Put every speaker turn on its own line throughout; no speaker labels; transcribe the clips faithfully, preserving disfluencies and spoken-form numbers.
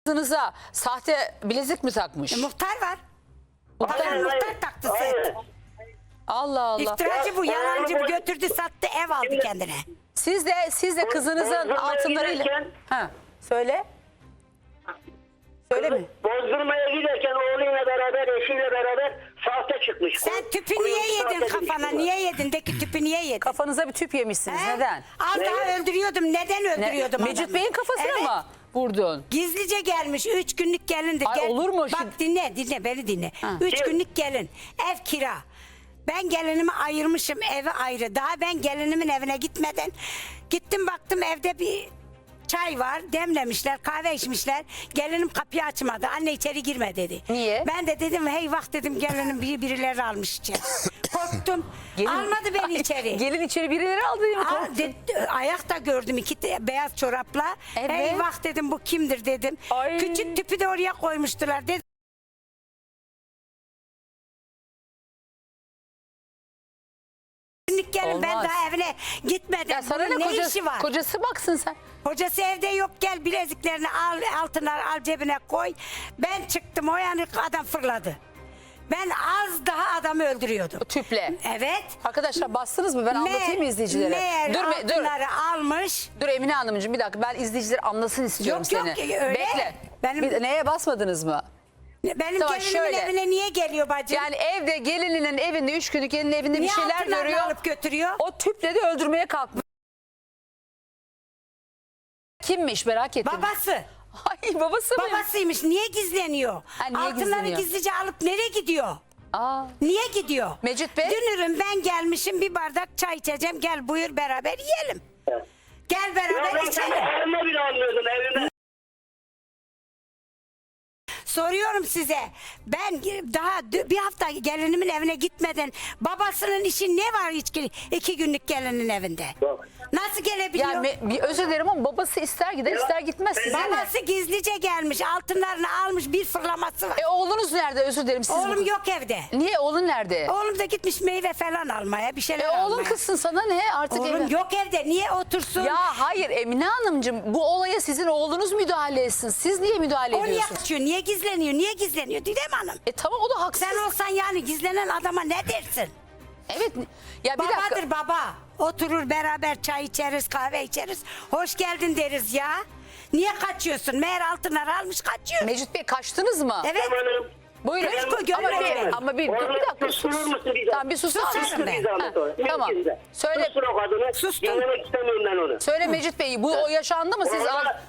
Kızınıza sahte bilezik mi takmış?
E, muhtar var.
Muhtar-
Muhtar, muhtar taktı set.
Allah Allah.
İftiracı bu, yalancı bu, götürdü sattı, ev aldı kendine.
Siz de siz de kızınızın
Bozdurmaya
altınlarıyla...
giderken-
Ha, söyle. Söyle mi?
Bozdurmaya giderken oğluyla beraber, eşiyle beraber sahte çıkmış.
Sen tüpü
Kuyruğu
niye yedin
sahte
kafana?
çıkmış.
Niye yedin? De ki tüpü niye yedin?
Kafanıza bir tüp yemişsiniz.
He?
Neden?
Az daha öldürüyordum. Neden
Ne?
öldürüyordum
Mecit
adamı?
Bey'in kafasına
Evet.
mı vurdun?
Gizlice gelmiş. Üç günlük gelindir.
Ay, olur mu?
Bak
Şimdi-
dinle dinle beni dinle. Üç
Kim?
günlük gelin. Ev kira. Ben gelinimi ayırmışım, evi ayrı. Daha ben gelinimin evine gitmeden gittim, baktım evde bir çay var, demlemişler, kahve içmişler. Gelinim kapıyı açmadı. Anne içeri girme dedi.
Niye?
Ben de dedim hey vah dedim, gelinim biri birileri almış içeri. Korktum.
Gelin-
Almadı beni içeri.
Gelin içeri birileri aldı değil mi?
Aa,
Korktun.
de- ayakta gördüm iki te- beyaz çorapla.
Evet.
Eyvah dedim, bu kimdir dedim.
Ay.
Küçük tüpü de oraya koymuştular dedim. Günlük gelin, ben
Olmaz.
daha evine gitmedim.
Ya sana
Bunun
ne,
ne
kocası,
işi var?
kocası baksın sen.
Kocası evde yok, gel bileziklerini al, altınları al cebine koy. Ben çıktım, o yani adam fırladı. Ben az daha adamı öldürüyordum.
O tüple.
Evet.
Arkadaşlar bastınız mı? Ben anlatayım mı izleyicilere?
Meğer
dur, me- dur.
altınları almış.
Dur Emine Hanımcığım bir dakika, ben izleyiciler anlasın istiyorum
Yok, yok,
seni.
öyle.
Bekle.
Benim-
Bir- neye basmadınız mı?
Benim
Tamam,
gelinimin
şöyle.
evine niye geliyor bacım?
Yani evde gelininin evinde, üç günlük gelinin evinde
Niye
bir şeyler
altınlarını
görüyor.
alıp götürüyor?
O tüple de öldürmeye kalkmış. Kimmiş merak ettim.
Babası.
Ay babası mı?
Babasıymış. Niye gizleniyor?
Ha, niye
Altınları
gizleniyor?
gizlice alıp nereye gidiyor?
Aa,
Niye gidiyor?
Mecit Bey?
Dünürüm ben gelmişim, bir bardak çay içeceğim. Gel buyur beraber yiyelim.
Evet.
Gel
Ya
beraber
ben seni
içelim.
evime bile almıyordum evime.
Soruyorum size. Ben daha dü- bir hafta gelinimin evine gitmeden babasının işi ne var hiç ki- iki günlük gelinin evinde?
Yok.
Nasıl gelebiliyor?
yani me- bir özür dilerim ama babası ister gider ister gitmez. Size ne?
Babası gizlice gelmiş, altınlarını almış, bir fırlaması var.
E oğlunuz nerede, özür dilerim siz
Oğlum
bu-
yok evde.
Niye, oğlun nerede?
Oğlum da gitmiş meyve falan almaya, bir şeyler
E
almaya.
oğlun kızsın, sana ne artık?
Oğlum
evlen-
yok evde, niye otursun?
Ya hayır Emine Hanımcığım, bu olaya sizin oğlunuz müdahale etsin. Siz niye müdahale
o niye
ediyorsunuz?
kaçıyor, niye gizleniyor, niye gizleniyor Didem Hanım?
E tamam, o da haksız.
Sen olsan yani gizlenen adama ne dersin?
Evet. Ya bir
Babadır
dakika.
baba. Oturur beraber çay içeriz, kahve içeriz. Hoş geldin deriz ya. Niye kaçıyorsun? Meğer altınları almış kaçıyor.
Mecit Bey kaçtınız mı?
Evet.
Hanım.
Buyurun.
Göz koy,
Ama
görmedim.
bir, ama bir, dur bir dakika sus.
Susturur musun bir
Tamam bir sus.
Susarım
Sus.
ben.
Bir zahmet
Ha,
o.
tamam.
Mümkünse.
Söyle.
Sustur o kadını.
Sustum.
Dinlemek istemiyorum ben onu.
Söyle Mecit Bey, bu o yaşandı mı siz? al-
Orada-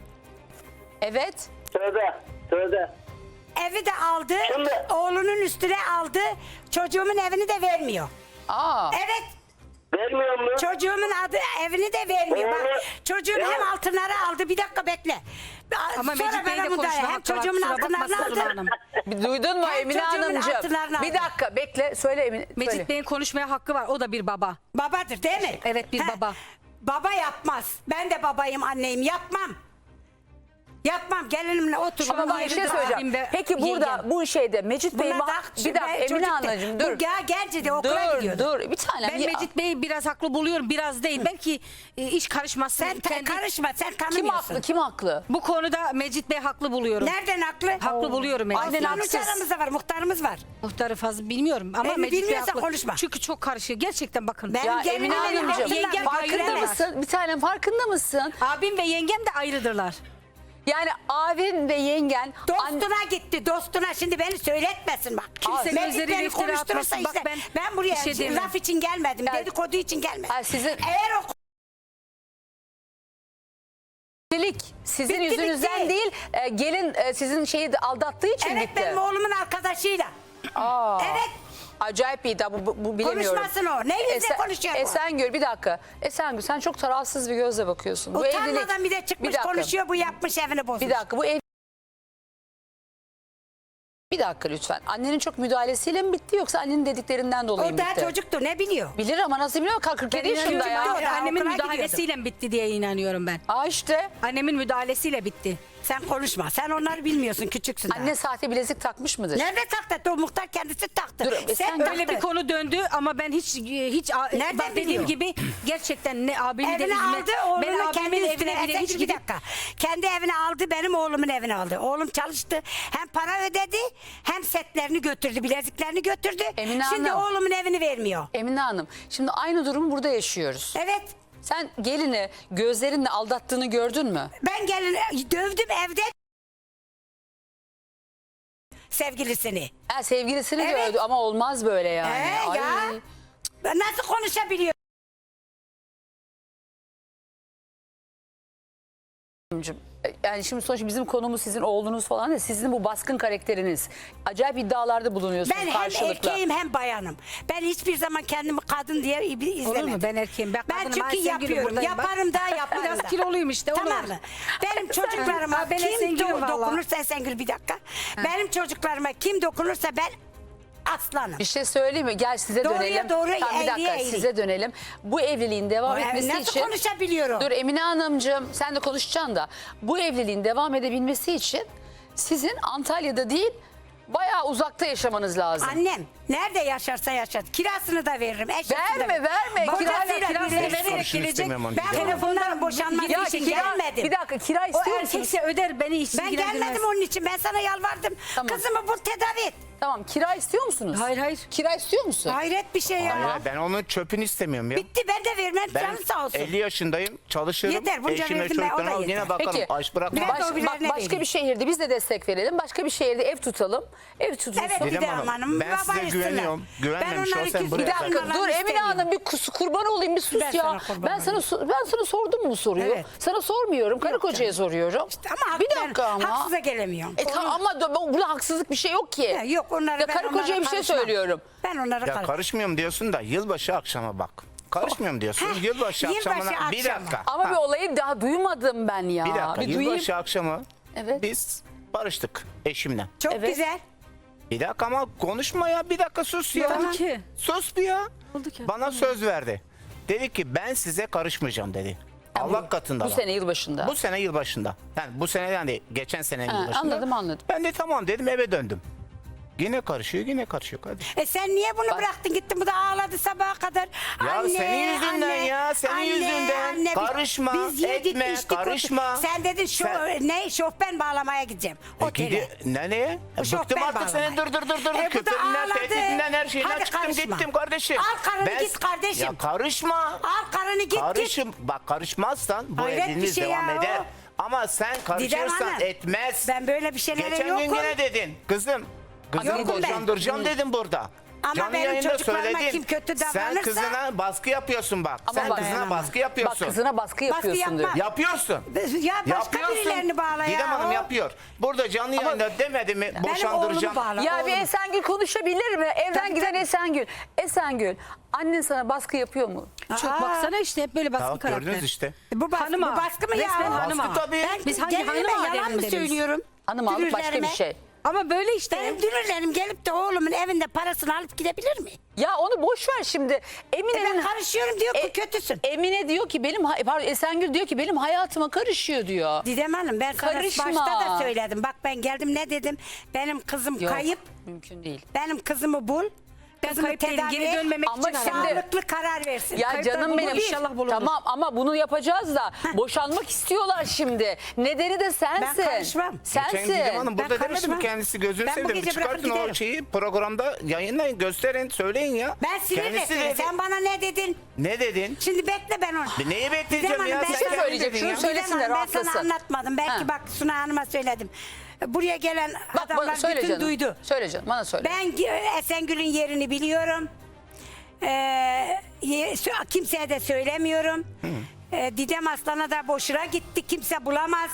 Evet.
Tövbe. Tövbe.
Evi de aldı.
Şimdi-
Oğlunun üstüne aldı. Çocuğumun evini de vermiyor.
Aa.
Evet.
Vermiyor mu?
Çocuğumun adı evini de vermiyor. Bak,
Oğlu-
çocuğum
Ya-
hem altınları aldı. Bir dakika bekle.
Ama
Sonra
Mecit Bey'le
bana müdahale.
konuşma
Hem
hakkı var,
çocuğumun
kusura bakma
altınlarını
Sıla'm
aldı.
Hanım.
Bir duydun mu
Hem
Emine
çocuğumun
Hanımcığım?
altınlarını
Bir
aldı.
dakika bekle. Söyle Emine.
Mecit
söyle.
Bey'in konuşmaya hakkı var. O da bir baba.
Babadır değil mi?
Evet, bir baba.
Baba yapmaz. Ben de babayım, anneyim. Yapmam. Yapmam. Gelinimle otururum.
Ama bak bir şey
ayrıdır
söyleyeceğim.
abim ve
Peki burada
yengem.
bu şeyde Mecit Bey
Buna
ma-
bak,
bir dakika
ben
Emine
çocuk de-
Hanımcığım dur.
Bu ya genci de okula
Dur
gidiyordu.
dur bir tane.
Ben Mecit Bey'i biraz haklı buluyorum. Biraz değil. Belki e, iş karışmasın.
Sen ta-
Kendi-
karışma. Sen
Kim
tanımıyorsun.
haklı kim haklı?
Bu konuda Mecit Bey haklı buluyorum.
Nereden haklı?
Haklı buluyorum Mecit Bey.
Aslanın
haksız.
aramızda var. Muhtarımız var.
Muhtarı fazla bilmiyorum ama
E,
Mecit Bey
bilmiyorsan
haklı.
konuşma.
Çünkü çok karışıyor. Gerçekten bakın.
Ben-
Ya
Gelin
Emine
benim
Hanımcığım
altınlar
yengem
farkında
ayrı
mısın? Bir tanem farkında mısın?
Abim ve yengem de ayrıdırlar.
Yani abin ve yengen an-
Dostuna gitti. Dostuna. Şimdi beni söyletmesin bak.
Kimse
Mecit
gözleriyle
beni
iftira
konuşturursa
atmasın. Bak
işte.
ben
Ben, buraya
bir şey demem.
laf için gelmedim.
Yani-
Dedikodu için gelmedim.
Ay, sizin-
Eğer o
Evlilik sizin
Bitti,
yüzünüzden
bitti.
değil, e, gelin e, sizin şeyi de aldattığı için
evet
bitti.
benim oğlumun arkadaşıyla.
Aa,
Evet.
Acayip bir iddia bu, bu, bu bilemiyorum.
Konuşmasın o. Ne yüzle
Esen-
konuşuyor bu?
Esengül bir dakika. Esengül sen çok tarafsız bir gözle bakıyorsun. Bu
Utanmadan
evlilik.
bir de çıkmış
Bir dakika.
konuşuyor. Bu yapmış evini bozmuş.
Bir dakika bu ev... Bir dakika lütfen. Annenin çok müdahalesiyle mi bitti yoksa annenin dediklerinden dolayı
O
mı
daha
bitti?
çocuktu. Ne biliyor?
Bilir ama nasıl biliyor? kırk yedi yaşında
inanıyorum
ya.
ki o da
Annemin
okula
müdahalesiyle bitti diye inanıyorum ben.
Aa işte.
Annemin müdahalesiyle bitti.
Sen konuşma. Sen onları bilmiyorsun. Küçüksün daha.
Anne sahte bilezik takmış mıdır?
Nerede taktı? O muhtar kendisi taktı.
Dur, e, sen
taktı.
Öyle bir konu döndü ama ben hiç hiç
Nereden
bak dediğim
biliyor?
gibi gerçekten ne abimi de
Evine
üzme.
aldı,
Ben
oğlunu kendi
abimin
üstüne.
evine bile
Sen
hiç
şimdi bir
gidip
dakika. Kendi evine aldı, benim oğlumun evine aldı. Oğlum çalıştı. Hem para ödedi, hem setlerini götürdü, bileziklerini götürdü.
Emine
Şimdi
Hanım.
oğlumun evini vermiyor.
Emine Hanım, şimdi aynı durumu burada yaşıyoruz.
Evet.
Sen gelini gözlerinle aldattığını gördün mü?
Ben gelin dövdüm evde sevgilisini.
Ha, sevgilisini
Evet.
gördü ama olmaz böyle yani.
Ee,
Ay.
ya. Nasıl konuşabiliyor?
Yani şimdi sonuçta bizim konumuz sizin oğlunuz falan ya, sizin bu baskın karakteriniz. Acayip iddialarda bulunuyorsunuz
Ben hem
karşılıklı.
erkeğim hem bayanım. Ben hiçbir zaman kendimi kadın diye izlemedim.
olur mu? Ben erkeğim. Ben,
Ben
kadınım.
çünkü
Ayşegül'üm
yapıyorum.
buradayım bak.
Yaparım da yaparım
Biraz
da.
kiloluyum işte. olur.
Tamam mı? Benim çocuklarıma
Ha, ben
kim
Esengül'üm
do-
vallahi.
dokunursa Esengül bir dakika. Benim çocuklarıma kim dokunursa ben aslanım.
Bir şey söyleyeyim mi? Gel size
Doğruya
dönelim.
doğru,
Tamam, bir dakika
eğriye eğri.
size dönelim. Bu evliliğin devam
Ay,
etmesi
nasıl
için...
konuşabiliyorum?
Dur Emine Hanımcığım, sen de konuşacaksın da. Bu evliliğin devam edebilmesi için sizin Antalya'da değil, bayağı uzakta yaşamanız lazım.
Annem nerede yaşarsa yaşar. Kirasını da veririm. eşyasını da
Verme,
veririm.
verme.
Kocasıyla
Kirayla-
birine
kirasını
vererek
konuşun
gelecek.
istemiyorum onu
Ben
Didem Hanım.
telefondan boşanmak
Ya
için
kira-
gelmedim.
Bir dakika, kira
O
istiyor musunuz?
erkekse öder beni hiç
Ben
ilgilendirmez.
gelmedim onun için. Ben sana yalvardım.
Tamam.
Kızımı bul, tedavi et.
Tamam, kira istiyor musunuz?
Hayır, hayır.
Kira istiyor musun?
Hayret bir şey ya.
Hayır, ben onun çöpünü istemiyorum ya.
Bitti, ben de vermem.
Ben
Canı sağ olsun.
elli yaşındayım, çalışıyorum.
Yeter, bunca
Eşime,
verdim ben, o da
çocuklarıma
yeter.
yine bakarım.
Peki.
Aç bırakmam.
Ben de
Baş-
o birilerine
bak, başka
vereyim.
bir şehirde biz de destek verelim. Başka bir şehirde ev tutalım. Ev tutulsun.
Evet,
Didem
Didem
Hanım,
Hanım.
ben size
babayısınlar.
güveniyorum. Güvenmemiş
Ben onları
olsam
küs-
buraya
Bir dakika
Bunlardan
dur Emine
istemiyorum.
Hanım, bir kus, kurban olayım, bir sus
Ben
ya.
sana kurban
Ben sana
olayım.
so- ben sana sordum mu bu soruyu?
Evet.
Sana sormuyorum. Karı
Yok
kocaya
canım.
soruyorum.
Ama
bir
ben
dakika ama.
haksıza gelemiyorum.
E, tamam, ama da- burada haksızlık bir şey yok ki.
Ya yok, onları
Ya
ben
karı
onlara
kocaya bir şey
karışmam.
söylüyorum.
Ben onlara
Ya
karışmam.
karışmıyorum diyorsun da yılbaşı akşama bak. Karışmıyorum diyorsun.
Heh,
Yılbaşı,
yılbaşı
akşamına bir
akşamı.
dakika.
Ama
Ha,
bir olayı daha duymadım ben ya.
bir dakika.
duyayım.
Yılbaşı akşamı
Evet.
biz barıştık eşimle.
Çok
Evet.
güzel.
Bir dakika ama konuşma ya. Bir dakika sus ya.
Oldu ki.
Sus bir ya.
Oldu ki.
Bana söz verdi. Dedi ki ben size karışmayacağım dedi. Allah katında.
Bu
da.
sene yılbaşında.
Bu sene yılbaşında. Yani bu sene yani geçen sene
Ha,
yılbaşında.
anladım, anladım.
Ben de tamam dedim, eve döndüm. Yine karışıyor, yine karışıyor kardeşim.
E sen niye bunu bıraktın gittin, bu da ağladı sabaha kadar.
Ya senin yüzünden ya, senin yüzünden.
Biz-
Karışma,
biz yedik,
etme,
içtik,
karışma.
oturduk. Sen dedin şu
Sen-
ne şofben bağlamaya gideceğim.
E
Otele.
gidi, nereye? E,
şoför
bıktım artık
bağlamaya.
seni dur dur dur dur.
E bu da
Küfüründen,
ağladı.
tehditinden, her şeyinden
Hadi
çıktım
karışma.
gittim kardeşim.
Al karını
Ben-
git kardeşim.
Ya karışma.
Al karını git git.
Karışım, bak karışmazsan bu
Hayret bir
evliliğiniz
şey
devam
ya
eder.
o.
Ama sen
Didem
karışırsan
Hanım,
etmez.
Ben böyle bir şeylere
Geçen
yokum.
gün yine dedin kızım. Kızını
Yokum ben.
boşandıracağım dedim burada.
Ama
Canlı
benim
yayında
çocuklarıma
söyledin.
kim kötü
Sen
davranırsa-
kızına baskı yapıyorsun bak.
Ama
Sen
bak-
kızına
Dayanamam.
baskı yapıyorsun.
Bak kızına baskı yapıyorsun
yapma.
diyor.
Yapıyorsun.
Ya başka
Yapıyorsun.
birilerini bağla ya.
Didem Hanım
o.
yapıyor. Burada canlı yayında demedi mi boşandıracağım.
oğlumu bağla.
Ya
oğlum.
bir Esengül konuşabilir mi? Evden
Tabii,
giden
tabii.
Esengül. Esengül, annen sana baskı yapıyor mu?
Çok
Aa.
baksana işte hep böyle baskı
Tamam,
karakter.
gördünüz işte.
Bu baskı,
Hanıma.
bu baskı mı ya?
Resmen
o?
hanıma.
Baskı tabii.
Ben
Biz hangi
gelinime
hanıma
yalan mı
aleminde biz?
söylüyorum?
Hanım aldık başka bir
Dünürlerime.
şey.
Ama böyle işte.
Benim dünürlerim gelip de oğlumun evinde parasını alıp gidebilir mi?
Ya onu boş ver şimdi.
E
Emine'nin...
ben karışıyorum diyor ki
E,
kötüsün.
Emine diyor ki benim hay- pardon Esengül diyor ki benim hayatıma karışıyor diyor.
Didem Hanım ben sana
Karışma.
başta da söyledim. Bak ben geldim ne dedim? Benim kızım
Yok,
kayıp.
mümkün değil.
Benim kızımı bul.
Ben
Kızımı
kayıp değilim,
tedavi
geri
et.
dönmemek
Ama
için
şimdi-
aradım.
Sağlıklı karar versin.
Ya
Kayıplar
canım
bulunur,
benim.
inşallah bulunur.
Tamam ama bunu yapacağız da boşanmak istiyorlar şimdi. Nedeni de sensin.
Ben karışmam.
Sensin.
Geçen Didem Hanım burada
Ben
demedi mi
karışmam.
kendisi gözünü
Ben bu
seveyim.
gece bırakıp
Çıkartın o
giderim.
şeyi programda yayınlayın, gösterin, söyleyin ya.
Ben sinirle
Kendisi
söyle.
dedi.
Sen bana ne dedin?
Ne dedin?
Şimdi bekle ben onu.
Bir neyi bekleyeceğim
Didem
ya?
Hanım, ben
Sen
sana-
kendin
söyleyecek,
dedin
şunu
ya.
söyle. söylesin de
Didem Hanım, ben
rahatlasın.
sana anlatmadım. Belki
Ha.
bak Suna Hanım'a söyledim. Buraya gelen
Bak
adamlar
bana söyle
bütün
canım.
duydu.
Söyle canım bana söyle.
Ben Esengül'ün yerini biliyorum. Ee, ye- sö- kimseye de söylemiyorum. Ee, Didem Aslan'a da boşuna gitti. Kimse bulamaz.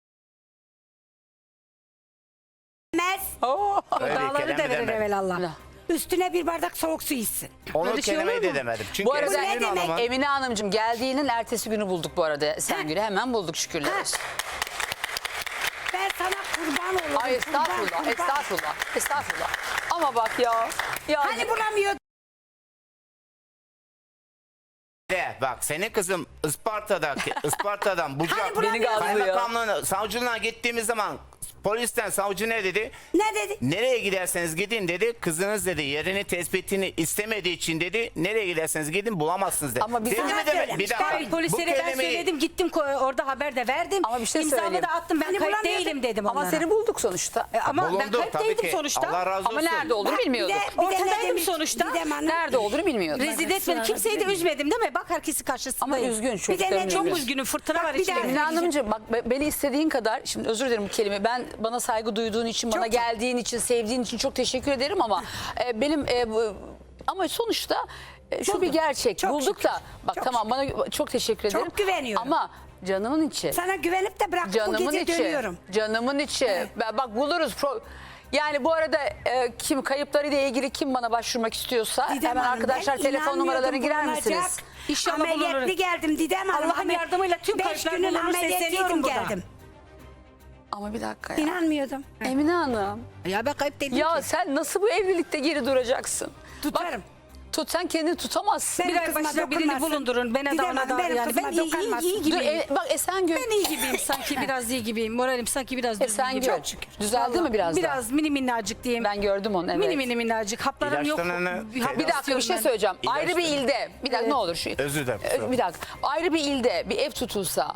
Bulamaz.
Oo.
Öyle bir
Dağları
kelime
da verir
demedim.
evelallah.
Üstüne bir bardak soğuk su içsin.
Onu
Öyle şey
kelimeyi
olur
de
mu?
demedim. Çünkü
Bu arada
Esengül
ne demek?
Hanım'ın-
Emine Hanımcığım geldiğinin ertesi günü bulduk bu arada Esengül'ü. Hemen bulduk şükürler
Ha.
olsun.
Ben sana kurban olurum.
Ay
kurban,
estağfurullah,
kurban.
estağfurullah, estağfurullah. Ama bak ya. ya
Hani bulamıyor.
Değer. bak senin kızım Isparta'daki Isparta'dan Bucak
Hani bulamıyorsun?
kaymakamlığına, savcılığına gittiğimiz zaman polisten savcı ne dedi?
Ne dedi?
Nereye giderseniz gidin dedi. Kızınız dedi yerini tespitini istemediği için dedi. Nereye giderseniz gidin bulamazsınız dedi.
Ama biz
Dedi
sana
mi deme-
söylemiş.
bir dakika.
Ben
Bu
Polislere ben
kelimeyi-
söyledim, gittim ko- orada haber de verdim.
Ama bir şey
İmzamı
söyleyeyim.
da attım, ben
Hani
kayıp
bulamıyordun.
değilim dedim
Ama
onlara.
seni bulduk sonuçta.
E, ama ben
Bulunduk
kayıp
tabii
değildim
ki.
sonuçta.
Allah razı
Ama
olsun.
nerede olduğunu
Bak, bir de-
bilmiyorduk.
bir de ne
Ortadaydım
demiş
sonuçta.
Didem Hanım?
Nerede olduğunu bilmiyorduk.
Rezil etmedim. Kimseyi de üzmedim değil mi? Bak herkesi
Ama
karşısındayım.
üzgün
de
çocukların
ne-
Çok
üzgün.
üzgünüm. Fırtına
Bak,
var
bir de-
içimde.
Emine Hanımcığım bak be- beni istediğin kadar, şimdi özür dilerim bu kelime, ben bana saygı duyduğun için, bana
çok.
geldiğin için, sevdiğin için çok teşekkür ederim ama e, benim e, bu- ama sonuçta e, şu bir gerçek,
Çok
bulduk
şükür.
da bak
Çok
tamam bana çok teşekkür ederim.
Çok güveniyorum.
Ama canımın içi,
Sana güvenip de bırakıp bu
canımın
gece
içi,
dönüyorum.
canımın içi. Ben- Bak buluruz. Pro- yani bu arada e, kim kayıplarıyla ilgili kim bana başvurmak istiyorsa
Didem
hemen
Hanım,
arkadaşlar
ben
telefon
inanmıyordum
numaralarına girer
bulunacak.
misiniz?
İnşallah
Ameliyatlı
bulunurum.
geldim Didem Hanım.
Allah'ın
Amel-
yardımıyla tüm
Beş
kayıplar
günün
bulunur,
ameliyatlıydım
sesleniyorum burada.
geldim.
Ama bir dakika ya.
İnanmıyordum.
Emine Hanım.
Ya ben kayıp değilim
Ya
ki.
sen nasıl bu evlilikte geri duracaksın?
Tutarım.
Bak, tut sen kendini tutamazsın.
Benim
Bir ay
kızıma
başına birini
dokunmasın.
bulundurun. Bana
Didem
da ona
Hanım,
da
benim
yani.
kızıma
Ben iyi, iyi,
dokunmasın.
iyi
Dur,
gibiyim.
e, bak Esengül.
Ben iyi gibiyim sanki, biraz iyi gibiyim. Moralim sanki biraz düzgün gibi.
Esengül.
Çok şükür.
Düzeldi
Vallahi
mi biraz daha?
Biraz mini minnacık diyeyim.
Ben gördüm onu, evet.
Mini mini minnacık. Haplarım yok.
İlaçlarını-
Hap
Bir dakika bir
istiyorum
şey
ben.
söyleyeceğim. Ayrı bir
İlaçları.
ilde. Bir dakika ne olur şu.
Özür dilerim,
Ö-
kusura
Bir dakika. Ayrı bir ilde bir ev tutulsa.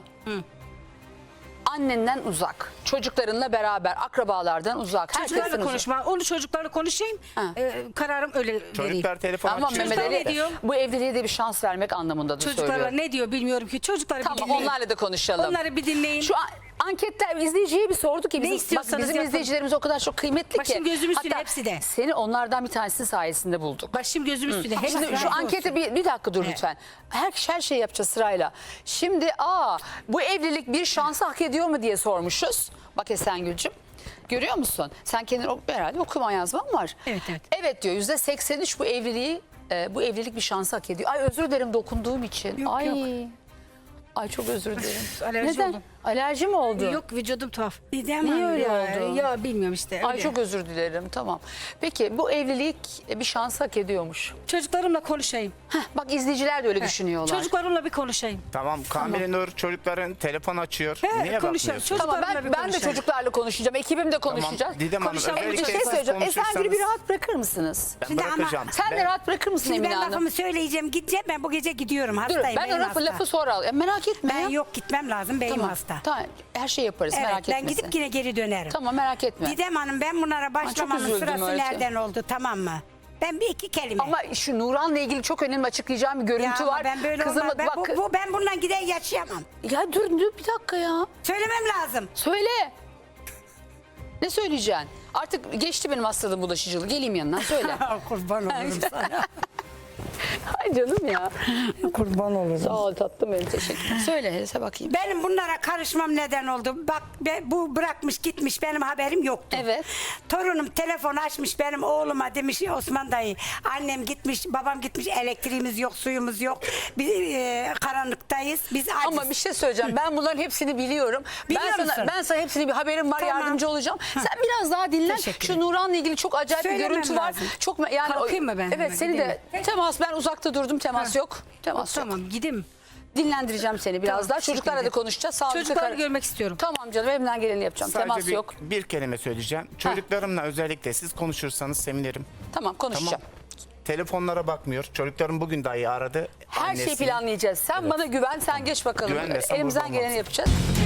Annenden uzak, çocuklarınla beraber, akrabalardan uzak.
Çocuklarla
herkesten uzak.
konuşma. Onu çocuklarla konuşayım.
Ha.
Ee, kararım öyle vereyim.
Çocuklar telefon
Ama
açıyor.
Mehmet
Çocuklar
Ali
ne diyor?
bu evliliğe de bir şans vermek anlamında da
Çocuklarla
söylüyor.
ne diyor bilmiyorum ki. Çocukları bir
Tamam
dinleyin.
onlarla da konuşalım.
Onları bir dinleyin.
Şu an anketler izleyiciye bir sorduk ki bizim, bak,
istiyorsanız
bizim
yapın.
izleyicilerimiz o kadar çok kıymetli ki.
Başım gözüm üstüne,
Hatta
hepsi de.
Seni onlardan bir tanesi sayesinde bulduk.
Başım gözüm üstüne. Hepsi
Şimdi
razı
şu
olsun.
ankete bir, bir dakika dur lütfen. Her, her şeyi yapacağız sırayla. Şimdi aa bu evlilik bir şansı hak ediyor mu diye sormuşuz. Bak Esengül'cüm. Görüyor musun? Sen kendin ok- herhalde okuma yazman var.
Evet, evet.
Evet diyor yüzde seksen üç bu evliliği e, bu evlilik bir şansı hak ediyor. Ay özür dilerim dokunduğum için.
Yok,
Ay.
yok.
Ay çok özür dilerim.
alerji
Neden?
oldum.
Alerji mi oldu?
Yok vücudum tuhaf.
Didem
Niye
Hanım.
öyle
ya.
oldu?
Ya bilmiyorum işte.
Ay
öyle.
çok özür dilerim tamam. Peki bu evlilik bir şans hak ediyormuş.
Çocuklarımla konuşayım.
Heh, bak izleyiciler de öyle düşünüyorlar.
Çocuklarımla bir konuşayım.
Tamam Kamile Nur çocukların telefon açıyor.
He,
Niye
konuşalım.
bakmıyorsun?
Çocuk-
Tamam ben,
Çocuklarla bir
ben de
konuşalım.
çocuklarla konuşacağım. Ekibim de konuşacağız.
Didem Hanım,
Konuşalım.
özellikle
Bir şey
siz
söyleyeceğim. Esengül'ü bir
konuşursanız-
rahat bırakır mısınız?
Ben
Şimdi ama-
bırakacağım.
Sen de
Ben-
rahat bırakır mısın
Şimdi
Emine
ben
Hanım?
lafımı söyleyeceğim. Gideceğim ben bu gece gidiyorum.
Dur
Hastayım.
ben o
beyim
lafı,
hasta.
lafı sonra al. Ya, merak etme
Ben
ya.
yok gitmem lazım. Beyim
Tamam.
hasta.
Tamam. Her şey yaparız
Evet
merak
ben
etmesin.
gidip yine geri dönerim.
Tamam merak etme.
Didem Hanım ben bunlara başlamamın
üzüldüm
sırası
öyle.
nereden oldu tamam mı? Ben bir iki kelime.
Ama şu Nuran'la ilgili çok önemli açıklayacağım bir
Ya
görüntü
ama
var.
ben böyle
Kızımı
olmaz. Ben,
bak.
bu, bu, ben bundan gider yaşayamam.
Ya dur dur bir dakika ya.
Söylemem lazım.
Söyle. Ne söyleyeceksin? Artık geçti benim hastalığım bulaşıcılığı. Geleyim yanına söyle.
Kurban olurum sana.
Ay canım ya.
Kurban olurum.
Sağ ol tatlım benim teşekkür ederim. Söyle Hese bakayım.
Benim bunlara karışmam neden oldu? Bak be- bu bırakmış gitmiş benim haberim yoktu.
Evet.
Torunum telefon açmış benim oğluma demiş Osman dayı. Annem gitmiş babam gitmiş elektriğimiz yok suyumuz yok. Biz e, karanlıktayız. Biz aciz.
Ama bir şey söyleyeceğim. Ben bunların hepsini biliyorum.
Biliyor
ben sana
musun?
ben sana hepsini bir haberim var
Tamam.
yardımcı olacağım. Sen biraz daha dinlen.
Teşekkür
Şu
ederim.
Nuran'la ilgili çok acayip bir
Söylemem
görüntü var.
lazım.
Çok me- yani
Kalkayım mı ben
Evet
hemen,
seni de
gideyim
temas ben uzakta durdum temas yok. Temas yok.
Tamam gideyim.
Dinlendireceğim seni biraz
Tamam,
daha.
teşekkür
Çocuklarla da
ederim.
konuşacağız. Sağlıklı
Çocukları
kar-
görmek istiyorum.
Tamam canım elimden geleni yapacağım.
Sadece
temas
bir,
yok.
bir kelime söyleyeceğim. Çocuklarımla özellikle siz konuşursanız sevinirim.
Tamam konuşacağım.
Tamam. Telefonlara bakmıyor. Çocuklarım bugün dahi aradı.
Her şeyi
Annesini.
planlayacağız. Sen bana güven, sen geç bakalım.
Güvenmesem
Elimizden
burada
geleni
olmaz.
yapacağız.